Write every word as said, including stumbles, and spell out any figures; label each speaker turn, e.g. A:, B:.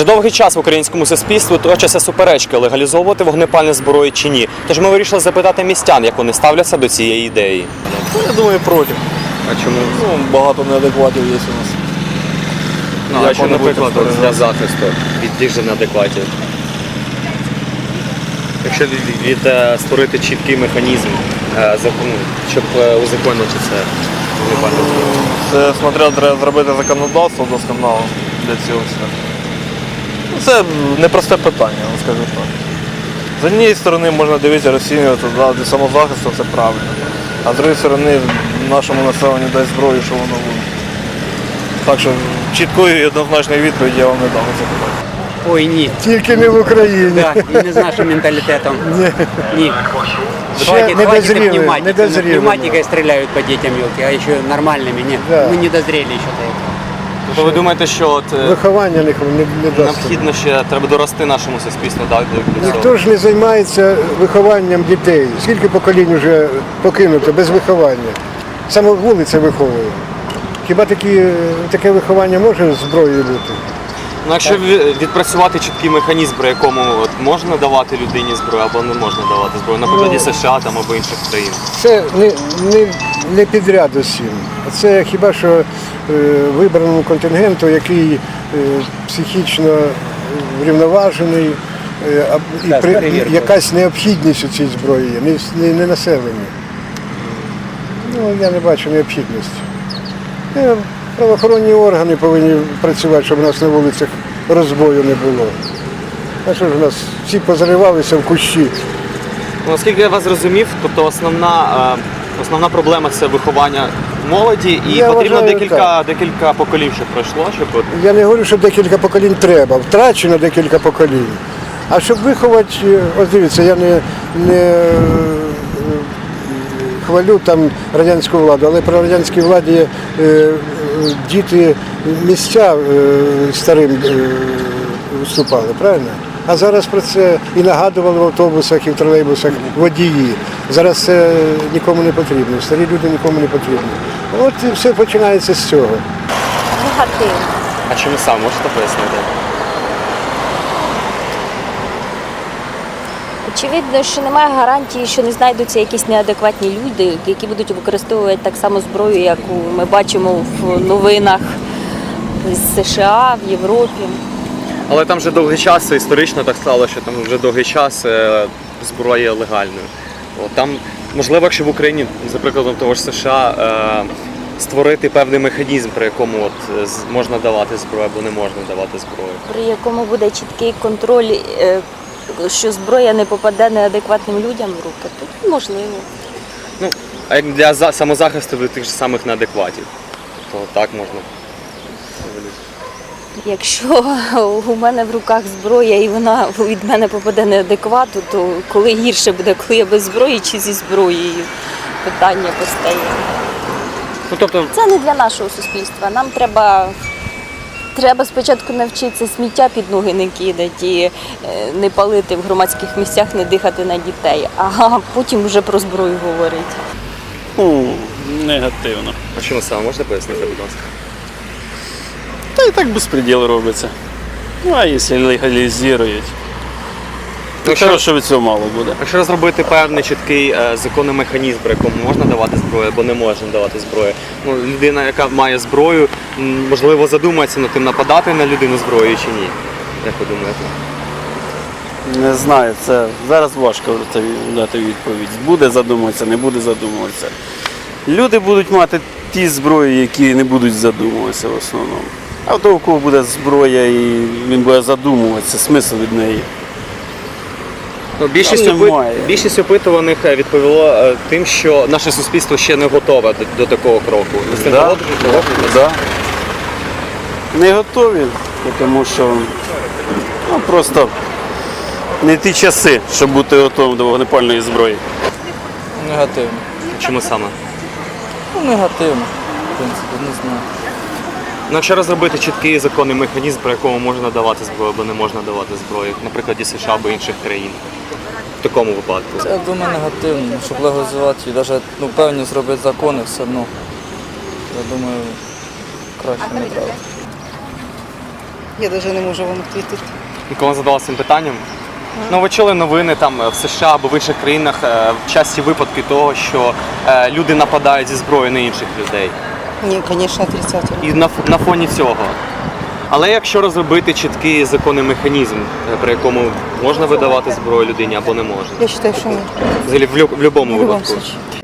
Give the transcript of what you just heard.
A: Вже довгий час в українському суспільстві точаться суперечки, легалізовувати вогнепальну зброю чи ні. Тож ми вирішили запитати містян, як вони ставляться до цієї ідеї.
B: Я думаю, проти.
A: А чому?
B: Ну, багато неадекватів є у нас.
A: Ну, а що, наприклад, для захисту від тих же неадекватів? Якщо від, від, від, створити чіткий механізм, закон, щоб узаконити це вогнепальну зброю.
B: Це, смотря, треба зробити законодавство досконало для цього всього. Це непросте питання, я вам скажу так. З однієї сторони можна дивитися, розцінювати, да, для самозахисту це правильно. А з іншої сторони нашому населенню дасть зброю, що воно буде. Так що чіткої і однозначної відповіді я вам не дам на це питання.
C: Ой, ні.
D: Тільки не в Україні.
C: Да, і не з нашим менталітетом.
D: Ні.
C: Ні.
D: Ще
C: Хватит,
D: не
C: хватит
D: дозріли,
C: пневматики.
D: не дозріли.
C: Пневматикой стреляют по детям елки, а еще нормальными. Нет,
D: Да.
C: мы не дозрели еще до этого.
A: Тобто ви думаєте, що от, е,
D: Виховання не, не, не дасть.
A: необхідно ще треба дорости нашому суспільству, так, до до цього?
D: Ніхто ж не займається вихованням дітей. Скільки поколінь вже покинуто без виховання. Саме вулиця виховує. Хіба такі, таке виховання може зброєю бути?
A: Ну, якщо ві- відпрацювати чіткий механізм, при якому от, можна давати людині зброю або не можна давати зброю, на прикладі
D: Ну,
A: США там, або інших країн.
D: Це не, не, не підряд усім. Це хіба що е, вибраному контингенту, який е, психічно врівноважений, е, а- і
C: Так,
D: при,
C: перевірка.
D: і якась необхідність у цій зброї є, не, не, не населення. Ну, я не бачу необхідності. Е, Правоохоронні органи повинні працювати, щоб у нас на вулицях розбою не було. А що ж у нас всі позаривалися в кущі?
A: Ну, наскільки я вас зрозумів, тобто основна, е, основна проблема це виховання молоді, і
D: Я
A: потрібно
D: вважаю,
A: декілька,
D: так.
A: декілька поколінь, щоб пройшло, щоб от,
D: Я не говорю, що декілька поколінь треба, втрачено декілька поколінь. А щоб виховати, ось дивіться, я не, не е, хвалю там радянську владу, але при радянській владі е, е, діти місця е, старим е, вступали, правильно? А зараз про це і нагадували в автобусах, і в тролейбусах водії. Зараз це нікому не потрібно, старі люди нікому не потрібні. От і все починається з цього.
E: Негативно.
A: а чому сам можете пояснити?
E: Очевидно, що немає гарантії, що не знайдуться якісь неадекватні люди, які будуть використовувати так само зброю, яку ми бачимо в новинах з США, в Європі.
A: Але там вже довгий час, історично так стало, що там вже довгий час е, зброя є легальною. От, там, можливо, якщо в Україні, за прикладом того ж США, е, створити певний механізм, при якому от, з- можна давати зброю або не можна давати зброю.
E: При якому буде чіткий контроль, е, що зброя не попаде неадекватним людям в руки, то можливо.
A: Ну, а як для за- самозахисту від тих же самих неадекватів, то так можна.
E: Якщо у мене в руках зброя і вона від мене попаде неадеквату, то коли гірше буде, коли я без зброї чи зі зброєю, питання постає.
A: Ну, тобто,
E: Це не для нашого суспільства. Нам треба, треба спочатку навчитися сміття під ноги не кидати, і е, не палити в громадських місцях, не дихати на дітей, а потім вже про зброю говорити.
F: Ну, негативно.
A: а чому саме можете пояснити, будь ласка?
F: Та і так безпреділ робиться. Ну, а якщо легалізують, то
A: Якщо-
F: хорошо, що від цього мало буде.
A: Якщо розробити певний чіткий е, законний механізм, при якому можна давати зброю або не можна давати зброю, ну, людина, яка має зброю, м, можливо, задумається над тим, нападати на людину зброєю чи ні. Як ви думаєте?
F: Не знаю, це зараз важко це дати відповідь. Буде задумуватися, не буде задумуватися. Люди будуть мати ті зброї, які не будуть задумуватися в основному. А в того, у кого буде зброя і він буде задумуватися, смисл від неї.
A: Ну, більшість,
F: Там
A: опит...
F: немає.
A: більшість опитуваних е, відповіло е, тим, що наше суспільство ще не готове до, до такого кроку. Ви з тим
F: Да.
A: погоджуєтесь? Погоджуєтесь?
F: Да. Не готові, тому що ну, просто не ті часи, щоб бути готовим до вогнепальної зброї.
B: Негативно.
A: Чому саме?
B: Ну, негативно, в принципі, не знаю.
A: Ну, якщо розробити чіткий законний механізм, при якому можна давати зброю або не можна давати зброю, наприклад, і США або інших країн, в такому випадку.
G: Я думаю, негативно, щоб легалізувати і навіть ну, певні зробити закони все одно. Я думаю, краще не треба.
H: Я навіть не можу вам відповісти.
A: Ніколи задалася цим питанням? Ну, ви чули новини там е, в США або в інших країнах е, часті випадки того, що е, люди нападають зі зброєю на інших людей.
H: Ні, звісно, отрицательно.
A: І на, ф- на фоні цього. Але якщо розробити чіткий законний механізм, е, при якому можна видавати зброю людині або не можна?
H: Я вважаю, що ні.
A: Взагалі в, лю- в будь-якому
H: В будь-якому
A: випадку.
H: случае.